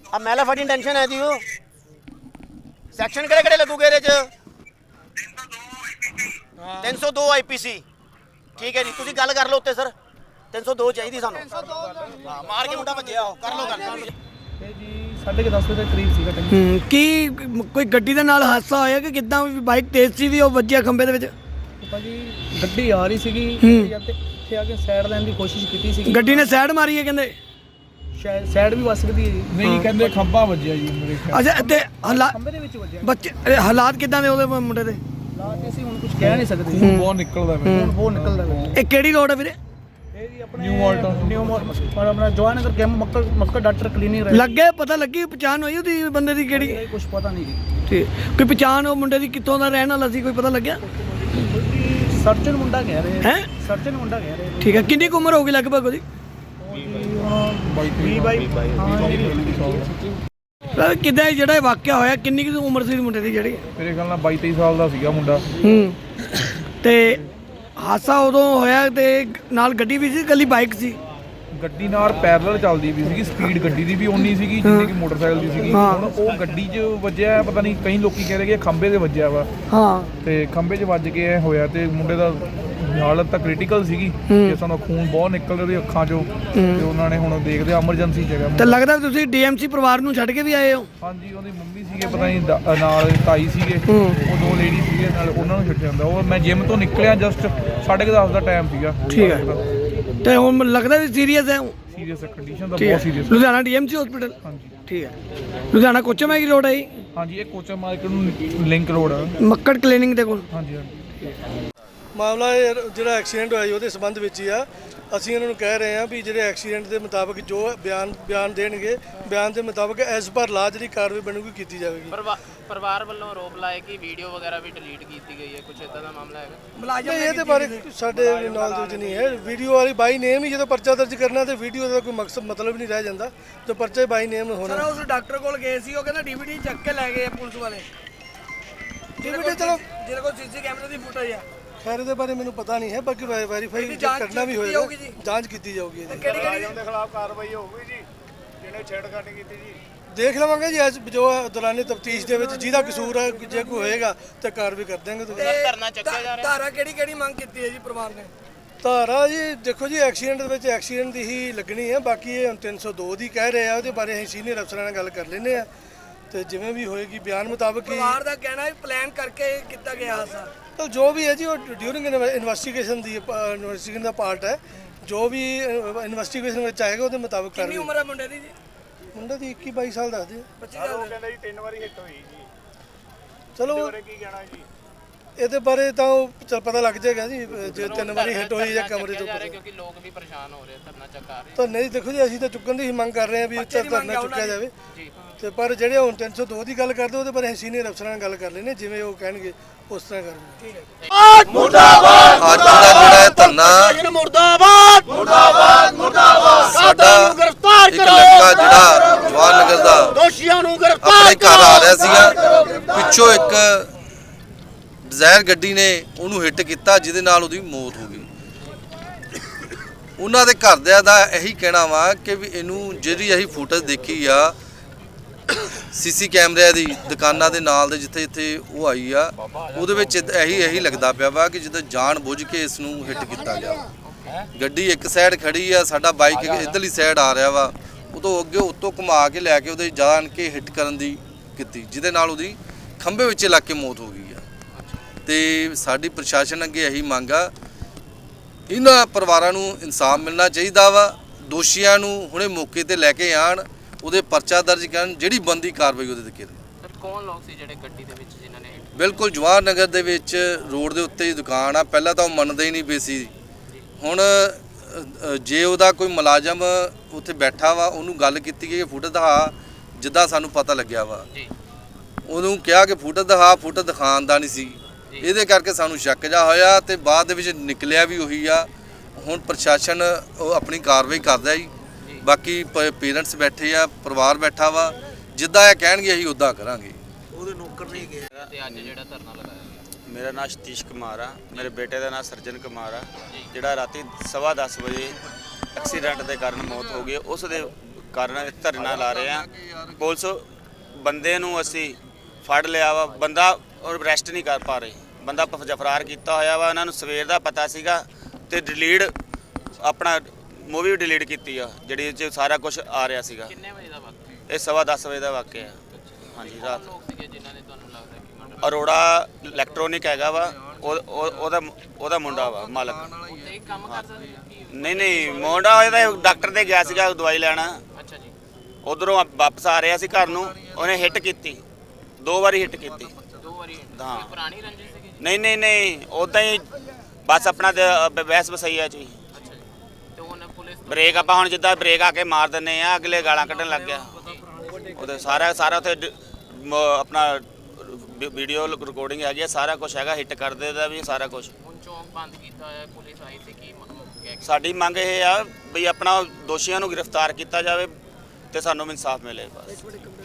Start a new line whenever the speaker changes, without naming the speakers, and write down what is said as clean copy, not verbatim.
ਆ ਮਹਿਲਾ ਫੜੀ ਟੈਨਸ਼ਨ ਹੈ ਜੀ। ਉਹ ਸੈਕਸ਼ਨ ਕਿਹੜੇ ਕਿਹੜੇ ਲੱਗੂਗੇ ਇਹਦੇ ਚ? 302 ਆਈਪੀਸੀ। ਠੀਕ ਹੈ ਜੀ, ਤੁਸੀਂ ਗੱਲ ਕਰ ਲਓ ਉੱਤੇ ਸਰ। 302 ਚਾਹੀਦੀ ਸਾਨੂੰ। ਹਾਂ, ਮਾਰ ਕੇ ਮੁੰਡਾ ਭੱਜਿਆ। ਉਹ ਕਰ ਲਓ ਗੱਲ
ਇਹ ਜੀ 10:30 ਵਜੇ ਦੇ ਕਰੀਬ ਸੀਗਾ ਟਾਈਮ।
ਕੀ ਕੋਈ ਗੱਡੀ ਦੇ ਨਾਲ ਹਾਦਸਾ ਹੋਇਆ ਕਿ ਕਿੱਦਾਂ? ਬਾਈਕ ਤੇਜ਼ ਸੀ ਵੀ ਉਹ ਵੱਜਿਆ ਖੰਭੇ ਦੇ ਵਿੱਚ?
ਭਾਜੀ ਗੱਡੀ ਆ ਰਹੀ ਸੀਗੀ ਤੇ ਇੱਥੇ ਆ ਕੇ ਸਾਈਡ ਲੈਣ ਦੀ ਕੋਸ਼ਿਸ਼ ਕੀਤੀ ਸੀ।
ਗੱਡੀ ਨੇ ਸਾਈਡ ਮਾਰੀ ਹੈ ਕਹਿੰਦੇ?
ਸ਼ਾਇਦ ਸਾਈਡ ਵੀ ਵੱਜ ਸਕਦੀ ਹੈ ਜੀ।
ਨਹੀਂ, ਕਹਿੰਦੇ ਖੰਭਾ ਵੱਜਿਆ ਜੀ ਮੇਰੇ ਖਿਆਲ।
ਅੱਛਾ, ਤੇ
ਖੰਭੇ ਦੇ ਵਿੱਚ ਵੱਜਿਆ।
ਬੱਚੇ ਹਾਲਾਤ ਕਿੱਦਾਂ ਦੇ ਉਹਦੇ ਮੁੰਡੇ ਦੇ?
ਹਾਲਾਤ ਅਸੀਂ ਹੁਣ ਕੁਝ ਕਹਿ ਨਹੀਂ ਸਕਦੇ।
ਖੂਨ ਬਹੁਤ ਨਿਕਲਦਾ ਪਿਆ।
ਹੁਣ ਬਹੁਤ ਨਿਕਲਦਾ ਪਿਆ।
ਇਹ ਕਿਹੜੀ ਰੋਡ ਹੈ ਵੀਰੇ?
ਇਹ ਜੀ ਆਪਣੇ
ਨਿਊ ਮਾਲਟਨ।
ਨਿਊ ਮਾਲਟਨ ਔਰ ਆਪਣਾ Jawanagar camp Makkar doctor clinic
ਲੱਗੇ ਪਤਾ ਲੱਗੀ ਪਛਾਣ ਹੋਈ ਉਹਦੀ ਬੰਦੇ ਦੀ ਕਿਹੜੀ?
ਕੁਝ ਪਤਾ ਨਹੀਂ ਜੀ।
ਠੀਕ, ਕੋਈ ਪਛਾਣ ਉਹ ਮੁੰਡੇ ਦੀ ਕਿੱਥੋਂ ਦਾ ਰਹਿਣ ਵਾਲਾ ਸੀ, ਕੋਈ ਪਤਾ ਲੱਗਿਆ?
ਸਰਜਨ ਮੁੰਡਾ ਕਹਿ ਰਹੇ
ਹੈ।
ਸਰਜਨ ਮੁੰਡਾ ਕਹਿ ਰਹੇ।
ਠੀਕ ਹੈ, ਕਿੰਨੀ ਕੁ ਉਮਰ ਹੋਗੀ ਲਗਭਗ ਉਹਦੀ?
20
ਕਿੱਦਾਂ ਜਿਹੜਾ ਇਹ ਵਾਕਿਆ ਹੋਇਆ, ਕਿੰਨੀ ਕੁ ਉਮਰ ਸੀ ਮੁੰਡੇ ਦੀ ਜਿਹੜੀ?
ਮੇਰੇ ਖਿਆਲ ਨਾਲ 22-23 ਸਾਲ ਦਾ ਸੀਗਾ ਮੁੰਡਾ।
ਤੇ ਹਾਦਸਾ ਉਦੋਂ ਹੋਇਆ ਤੇ ਨਾਲ ਗੱਡੀ ਵੀ ਸੀ, ਇਕੱਲੀ ਬਾਈਕ ਸੀ?
ਗੱਡੀ ਨਾਲ ਪੈਰਲਲ ਚੱਲਦੀ ਵੀ ਸੀਗੀ। ਸਪੀਡ ਗੱਡੀ ਦੀ ਵੀ ਓਨੀ ਸੀਗੀ ਜਿੰਨੀ ਕਿ ਮੋਟਰਸਾਈਕਲ ਦੀ ਸੀਗੀ। ਹੁਣ ਉਹ ਗੱਡੀ 'ਚ ਵੱਜਿਆ, ਪਤਾ ਨਹੀਂ, ਕਈ ਲੋਕੀ ਕਹਿ ਰਹੇ ਕਿ ਖੰਭੇ 'ਤੇ ਵੱਜਿਆ ਵਾ।
ਹਾਂ,
ਤੇ ਖੰਭੇ 'ਚ ਵੱਜ ਕੇ ਇਹ ਹੋਇਆ ਤੇ ਮੁੰਡੇ ਦਾ ਹਾਲਤ ਤਾਂ ਕ੍ਰਿਟੀਕਲ ਸੀਗੀ ਕਿ ਸਾਨੂੰ ਖੂਨ ਬਹੁਤ ਨਿਕਲ ਰਿਹਾ ਉਹਦੀ ਅੱਖਾਂ 'ਚੋਂ। ਤੇ ਉਹਨਾਂ ਨੇ ਹੁਣ ਦੇਖਦੇ ਐਮਰਜੈਂਸੀ 'ਚ ਹੈਗਾ।
ਤੇ ਲੱਗਦਾ ਤੁਸੀਂ ਡੀਐਮਸੀ ਪਰਿਵਾਰ ਨੂੰ ਛੱਡ ਕੇ ਵੀ ਆਏ ਹੋ?
ਹਾਂਜੀ, ਉਹਦੀ ਮੰਮੀ ਸੀਗੇ, ਪਤਾ ਨਹੀਂ ਨਾਲ ਤਾਈ ਸੀਗੇ, ਉਹ 2 ਲੇਡੀ ਸੀਗੇ ਨਾਲ, ਉਹਨਾਂ ਨੂੰ ਛੱਡਿਆ ਜਾਂਦਾ। ਉਹ ਮੈਂ ਜਿਮ ਤੋਂ ਨਿਕਲਿਆ ਜਸਟ 10:30 ਦਾ ਟਾਈਮ ਸੀਗਾ।
ਠੀਕ ਹੈ, ਤੇ ਹੁਣ ਲੱਗਦਾ ਵੀ ਸੀਰੀਅਸ ਹੈ?
ਸੀਰੀਅਸ ਕੰਡੀਸ਼ਨ ਤਾਂ ਬਹੁਤ ਸੀਰੀਅਸ।
Ludhiana DMC hospital?
ਹਾਂਜੀ
ਠੀਕ ਹੈ। ਲੁਧਿਆਣਾ ਕੋਚਾ ਮੈਗੀ ਰੋਡ ਹੈ ਜੀ?
ਹਾਂਜੀ, ਇਹ ਕੋਚਾ ਮਾਰਕੀਟ ਨੂੰ ਲਿੰਕ ਰੋਡ ਆ।
ਮੱਕੜ ਕਲੀਨਿਕ ਦੇ ਕੋਲ?
ਹਾਂਜੀ ਹਾਂਜੀ।
ਮਾਮਲਾ ਇਹ ਜਿਹੜਾ ਐਕਸੀਡੈਂਟ ਹੋਇਆ ਜੀ ਉਹਦੇ ਸੰਬੰਧ ਵਿੱਚ ਹੀ ਆ। ਅਸੀਂ ਇਹਨਾਂ ਨੂੰ ਕਹਿ ਰਹੇ ਹਾਂ ਵੀ ਜਿਹੜੇ ਐਕਸੀਡੈਂਟ ਦੇ ਮੁਤਾਬਕ ਜੋ ਬਿਆਨ ਦੇਣਗੇ, ਬਿਆਨ ਦੇ ਮੁਤਾਬਕ ਐਸ ਪਰ ਲਾ ਜਿਹੜੀ ਕਾਰਵਾਈ ਬਣੂਗੀ ਕੀਤੀ ਜਾਵੇਗੀ।
ਪਰਿਵਾਰ ਵੱਲੋਂ ਆਰੋਪ ਲਾਏ ਕਿ ਵੀਡੀਓ ਵਗੈਰਾ ਵੀ ਡਿਲੀਟ ਕੀਤੀ ਗਈ ਹੈ, ਕੁਝ ਇਦਾਂ ਦਾ ਮਾਮਲਾ ਹੈਗਾ?
ਨਹੀਂ, ਇਹਦੇ ਬਾਰੇ ਸਾਡੇ ਨੌਲੇਜ ਨਹੀਂ ਹੈ। ਵੀਡੀਓ ਵਾਲੀ ਬਾਈ ਨੇਮ ਹੀ ਜਦੋਂ ਪਰਚਾ ਦਰਜ ਕਰਨਾ ਤੇ ਵੀਡੀਓ ਦਾ ਕੋਈ ਮਕਸਦ ਮਤਲਬ ਨਹੀਂ ਰਹਿ ਜਾਂਦਾ। ਤੇ ਪਰਚਾ ਬਾਈ ਨੇਮ ਹੋਣਾ।
ਸਰ, ਉਸ ਡਾਕਟਰ ਕੋਲ ਗਏ ਸੀ, ਉਹ ਕਹਿੰਦਾ ਡੀਵੀਡੀ ਚੱਕ ਕੇ ਲੈ ਗਏ ਪੁਲਿਸ ਵਾਲੇ।
DVD ਚਲੋ
ਜਿਹਦੇ ਕੋਲ ਸੀਸੀ ਕੈਮਰੇ ਦੀ ਫੁਟੇਜ ਆ।
ਖੈਰ ਇਹਦੇ ਬਾਰੇ ਮੈਨੂੰ ਪਤਾ ਨਹੀਂ ਹੈ, ਬਾਕੀ ਵੈਰੀਫਾਈ ਕਰਨਾ ਵੀ ਹੋਏਗਾ, ਜਾਂਚ ਕੀਤੀ ਜਾਊਗੀ।
ਕਿਹੜੀ
ਖਿਲਾਫ ਕਾਰਵਾਈ ਹੋਊਗੀ ਜੀ ਜਿਹਨੇ ਛੇੜਖਾਨੀ ਕੀਤੀ ਜੀ।
ਦੇਖ ਲਵਾਂਗੇ ਜੀ ਅੱਜ ਜੋ ਦੌਰਾਨੇ ਤਫਤੀਸ਼ ਦੇ ਵਿੱਚ ਜਿਹਦਾ ਕਸੂਰ ਹੈ, ਜੇ ਕੋਈ ਹੋਏਗਾ ਤਾਂ ਕਾਰਵਾਈ ਕਰ ਦੇਵਾਂਗੇ। ਤੁਸੀਂ
ਧਰਨਾ ਚੱਕਿਆ ਜਾ ਰਿਹਾ?
ਧਾਰਾ ਕਿਹੜੀ ਮੰਗ ਕੀਤੀ ਹੈ ਜੀ ਪਰਿਵਾਰ ਨੇ?
ਧਾਰਾ ਜੀ ਦੇਖੋ ਜੀ, ਐਕਸੀਡੈਂਟ ਦੇ ਵਿੱਚ ਐਕਸੀਡੈਂਟ ਦੀ ਹੀ ਲੱਗਣੀ ਹੈ। ਬਾਕੀ ਇਹ ਹੁਣ 302 ਦੀ ਕਹਿ ਰਹੇ ਆ, ਉਹਦੇ ਬਾਰੇ ਅਸੀਂ ਸੀਨੀਅਰ ਅਫਸਰਾਂ ਨਾਲ ਗੱਲ ਕਰ ਲੈਂਦੇ ਆ ਤੇ ਜਿਵੇਂ ਵੀ ਹੋਏਗੀ ਬਿਆਨ ਮੁਤਾਬਕ ਹੀ।
ਪਰਿਵਾਰ ਦਾ ਕਹਿਣਾ ਹੈ ਪਲਾਨ ਕਰਕੇ ਕੀਤਾ ਗਿਆ ਹਾਦਸਾ।
ਤਾਂ ਜੋ ਵੀ ਹੈ ਜੀ, ਉਹ ਡਿਊਰਿੰਗ ਇਨਵੈਸਟੀਗੇਸ਼ਨ ਦਾ ਪਾਰਟ ਹੈ। ਜੋ ਵੀ ਇਨਵੈਸਟੀਗੇਸ਼ਨ ਵਿੱਚ ਆਏਗਾ ਉਹਦੇ ਮੁਤਾਬਕ
ਕਿੰਨੀ
ਕਰਾਂਗੇ।
ਉਮਰ ਹੈ ਮੁੰਡੇ ਦੀ ਜੀ?
ਮੁੰਡਾ ਦੀ 21-22 ਸਾਲ ਦੱਸਦੇ ਆ।
25 ਸਾਲ
ਉਹ ਕਹਿੰਦਾ ਜੀ 3 ਵਾਰੀ ਹਿੱਟ ਹੋਈ ਜੀ।
ਚਲੋ
ਕੀ ਕਹਿਣਾ ਜੀ
ਇਹਦੇ ਬਾਰੇ ਤਾਂ ਉਹ ਪਤਾ ਲੱਗ ਜਾਏਗਾ ਜੀ, ਜੇ 3 ਵਾਰੀ ਹਿੱਟ ਹੋਈ ਜਾਂ ਕਮਰੇ ਤੋਂ।
ਕਿਉਂਕਿ ਲੋਕ ਵੀ ਪਰੇਸ਼ਾਨ ਹੋ ਰਹੇ, ਧਰਨਾ ਚੱਕਾ ਰਹੇ।
ਤਾਂ ਨਹੀਂ, ਦੇਖੋ ਜੀ, ਅਸੀਂ ਤਾਂ ਚੁੱਕਣ ਦੀ ਹੀ ਮੰਗ ਕਰ ਰਹੇ ਹਾਂ ਵੀ ਉੱਚਾ ਧਰਨਾ ਚੁੱਕਿਆ ਜਾਵੇ। ਤੇ ਪਰ ਜਿਹੜੇ ਹੁਣ 302 ਦੀ ਗੱਲ ਕਰਦੇ ਉਹਦੇ ਬਾਰੇ ਅਸੀਂ ਸੀਨੀਅਰ ਅਫਸਰਾਂ ਨਾਲ ਗੱਲ ਕਰ ਲੈਂਦੇ, ਜਿਵੇਂ ਉਹ ਕਹਿਣਗੇ ਉਸ ਤਰ੍ਹਾਂ ਕਰਾਂਗੇ।
ਮੁਰਦਾਬਾਦ। ਅੱਜ ਦਾ ਜਿਹੜਾ ਇਹ ਧਰਨਾ
ਮੁਰਦਾਬਾਦ ਮੁਰਦਾਬਾਦ ਮੁਰਦਾਬਾਦ।
ਸਾਡਾ
ਗ੍ਰਿਫਤਾਰ
ਇੱਕ ਲੜਕਾ ਜਿਹੜਾ ਜਵਾਨ ਨਗਰ ਦਾ
ਦੋਸ਼ੀਆਂ ਨੂੰ ਗ੍ਰਿਫਤਾਰ
ਆਪਣੇ ਘਰ ਆ ਰਿਹਾ ਸੀਗਾ, ਪਿੱਛੋਂ ਇੱਕ ਡਿਜ਼ਾਇਰ ਗੱਡੀ ਨੇ ਉਹਨੂੰ ਹਿੱਟ ਕੀਤਾ ਜਿਹਦੇ ਨਾਲ ਉਹਦੀ ਮੌਤ ਹੋ ਗਈ। ਉਹਨਾਂ ਦੇ ਘਰਦਿਆਂ ਦਾ ਇਹੀ ਕਹਿਣਾ ਵਾ ਕਿ ਵੀ ਇਹਨੂੰ ਜਿਹੜੀ ਅਸੀਂ ਫੁਟੇਜ ਦੇਖੀ ਆ ਸੀਸੀ ਕੈਮਰਿਆਂ ਦੀ ਦੁਕਾਨਾਂ ਦੇ ਨਾਲ ਦੇ ਜਿੱਥੇ ਉਹ ਆਈ ਆ, ਉਹਦੇ ਵਿੱਚ ਇਹੀ ਲੱਗਦਾ ਪਿਆ ਵਾ ਕਿ ਜਿੱਦਾਂ ਜਾਣ ਬੁੱਝ ਕੇ ਇਸ ਨੂੰ ਹਿੱਟ ਕੀਤਾ ਗਿਆ। ਗੱਡੀ ਇੱਕ ਸਾਈਡ ਖੜੀ ਆ, ਸਾਡਾ ਬਾਈਕ ਇੱਧਰਲੀ ਸਾਈਡ ਆ ਰਿਹਾ ਵਾ, ਉਦੋਂ ਅੱਗੇ ਉੱਤੋਂ ਘੁਮਾ ਕੇ ਲੈ ਕੇ ਉਹਦੇ ਜਾਣ ਕੇ ਹਿੱਟ ਕਰਨ ਦੀ ਕੀਤੀ, ਜਿਹਦੇ ਨਾਲ ਉਹਦੀ ਖੰਭੇ ਵਿੱਚ ਲੱਗ ਕੇ ਮੌਤ ਹੋ ਗਈ ਆ। ਤੇ ਸਾਡੀ ਪ੍ਰਸ਼ਾਸਨ ਅੱਗੇ ਇਹੀ ਮੰਗ ਆ, ਇਹਨਾਂ ਪਰਿਵਾਰਾਂ ਨੂੰ ਇਨਸਾਫ ਮਿਲਣਾ ਚਾਹੀਦਾ ਵਾ। ਦੋਸ਼ੀਆਂ ਨੂੰ ਹੁਣੇ ਮੌਕੇ ਤੇ ਲੈ ਕੇ ਆਣ, ਉਹਦੇ ਪਰਚਾ ਦਰਜ ਕਰਨ, ਜਿਹੜੀ ਬੰਦੀ ਕਾਰਵਾਈ ਉਹਦੇ ਤੇ ਕਰਨ।
ਕੌਣ ਲੋਕ ਸੀ ਜਿਹੜੇ ਗੱਡੀ ਦੇ ਵਿੱਚ ਜਿਨ੍ਹਾਂ ਨੇ?
ਬਿਲਕੁਲ ਜਵਾਹਰ ਨਗਰ ਦੇ ਵਿੱਚ ਰੋਡ ਦੇ ਉੱਤੇ ਹੀ ਦੁਕਾਨ ਆ। ਪਹਿਲਾਂ ਤਾਂ ਉਹ ਮੰਨਦੇ ਹੀ ਨਹੀਂ ਪਏ ਸੀ। ਹੁਣ ਜੇ ਉਹਦਾ ਕੋਈ ਮੁਲਾਜ਼ਮ ਉੱਥੇ ਬੈਠਾ ਵਾ, ਉਹਨੂੰ ਗੱਲ ਕੀਤੀ ਕਿ ਫੁਟੇਜ ਦਿਖਾ, ਜਿੱਦਾਂ ਸਾਨੂੰ ਪਤਾ ਲੱਗਿਆ ਵਾ, ਉਹਨੂੰ ਕਿਹਾ ਕਿ ਫੁਟੇਜ ਦਿਖਾਉਣ ਦਾ ਨਹੀਂ ਸੀ। ਇਹਦੇ ਕਰਕੇ ਸਾਨੂੰ ਸ਼ੱਕ ਜਾ ਹੋਇਆ ਤੇ ਬਾਅਦ ਦੇ ਵਿੱਚ ਨਿਕਲਿਆ ਵੀ ਉਹੀ ਆ। ਹੁਣ ਪ੍ਰਸ਼ਾਸਨ ਉਹ ਆਪਣੀ ਕਾਰਵਾਈ ਕਰਦਾ ਜੀ। ਬਾਕੀ ਪੇਰੈਂਟਸ ਬੈਠੇ ਆ, ਪਰਿਵਾਰ ਬੈਠਾ ਵਾ, ਜਿੱਦਾਂ ਇਹ ਕਹਿਣਗੇ ਅਸੀਂ ਉੱਦਾਂ ਕਰਾਂਗੇ।
ਉਹਦੇ ਨੌਕਰ ਨਹੀਂ ਗਏ।
ਤੇ ਅੱਜ ਜਿਹੜਾ ਧਰਨਾ ਲਗਾਇਆ ਗਿਆ,
ਮੇਰਾ ਨਾਮ ਸਤੀਸ਼ ਕੁਮਾਰ ਆ, ਮੇਰੇ ਬੇਟੇ ਦਾ ਨਾਮ ਸਰਜਨ ਕੁਮਾਰ ਆ, ਜਿਹੜਾ ਰਾਤੀ 10:15 ਵਜੇ ਐਕਸੀਡੈਂਟ ਦੇ ਕਾਰਨ ਮੌਤ ਹੋ ਗਈ। ਉਸ ਦੇ ਕਾਰਨ ਧਰਨਾ ਲਾ ਰਹੇ ਆ। ਪੁਲਿਸ ਬੰਦੇ ਨੂੰ ਅਸੀਂ ਫੜ ਲਿਆ ਵਾ, ਬੰਦਾ ਅਰੈਸਟ ਨਹੀਂ ਕਰ ਪਾ ਰਹੇ, ਬੰਦਾ ਫਰਾਰ ਕੀਤਾ ਹੋਇਆ ਵਾ। ਉਹਨਾਂ ਨੂੰ ਸਵੇਰ ਦਾ ਪਤਾ ਸੀਗਾ ਤੇ ਡਿਲੀਟ ਆਪਣਾ ਮੂਵੀ ਡਿਲੀਟ ਕੀਤੀ ਆ ਜਿਹੜੀ ਇਹ 'ਚ ਸਾਰਾ ਕੁਝ ਆ ਰਿਹਾ ਸੀਗਾ।
ਕਿੰਨੇ ਵਜੇ ਦਾ ਵਕਤ?
ਇਹ 10:15 ਵਜੇ ਦਾ ਵਾਕਿਆ ਆ। ਹਾਂਜੀ ਰਾਤ।
ਲੋਕ ਸੀਗੇ ਜਿਨ੍ਹਾਂ ਨੇ ਤੁਹਾਨੂੰ ਲੱਗਦਾ ਕਿ ਮਰਡਰ
ਅਰੋੜਾ ਇਲੈਕਟ੍ਰੋਨਿਕ ਹੈਗਾ ਵਾ, ਉਹਦਾ ਮੁੰਡਾ ਵਾ ਮਾਲਕ।
ਉੱਤੇ ਹੀ ਕੰਮ ਕਰਦਾ ਸੀ ਕੀ?
ਨਹੀਂ ਮੁੰਡਾ ਇਹਦਾ ਡਾਕਟਰ ਦੇ ਗਿਆ ਸੀਗਾ ਦਵਾਈ ਲੈਣ,
ਅੱਛਾ ਜੀ।
ਉਧਰੋਂ ਵਾਪਸ ਆ ਰਿਹਾ ਸੀ ਘਰ ਨੂੰ, ਉਹਨੇ ਹਿੱਟ ਕੀਤੀ, 2 ਵਾਰੀ ਹਿੱਟ ਕੀਤੀ।
2 ਵਾਰੀ?
ਹਾਂ।
ਕੋਈ ਪੁਰਾਣੀ ਰੰਜਿਸ਼ ਸੀਗੀ ਜੀ?
ਨਹੀਂ ਉਦਾਂ ਹੀ ਬਸ ਆਪਣਾ ਬਹਿਸ ਬਸਈਆ ਚ ਹੀ।
ਅੱਛਾ ਜੀ। ਤੇ ਹੁਣ ਪੁਲਿਸ ਤੋਂ
ਬ੍ਰੇਕ ਆਪਾਂ ਹੁਣ ਜਿੱਦਾਂ ਬ੍ਰੇਕ ਆ ਕੇ ਮਾਰ ਦਿੰਨੇ ਆ, ਅਗਲੇ ਗਾਲਾਂ ਕੱਢਣ ਲੱਗ ਗਿਆ। ਉਹਦੇ ਸਾਰਾ ਉੱਥੇ ਆਪਣਾ ਵੀਡੀਓ ਰਿਕਾਰਡਿੰਗ ਹੈਗੀ ਆ, ਸਾਰਾ ਕੁਝ ਹੈਗਾ, ਹਿੱਟ ਕਰਦੇ ਦਾ ਵੀ ਸਾਰਾ ਕੁਝ।
ਹੁਣ ਚੌਂਕ ਬੰਦ ਕੀਤਾ ਹੋਇਆ, ਪੁਲਿਸ ਆਈ ਸੀ ਕੀ ਕਹਿ ਕੇ?
ਸਾਡੀ ਮੰਗ ਇਹ ਆ ਵੀ ਆਪਣਾ ਦੋਸ਼ੀਆਂ ਨੂੰ ਗ੍ਰਿਫਤਾਰ ਕੀਤਾ ਜਾਵੇ ਤੇ ਸਾਨੂੰ ਇਨਸਾਫ ਮਿਲੇ ਬਸ।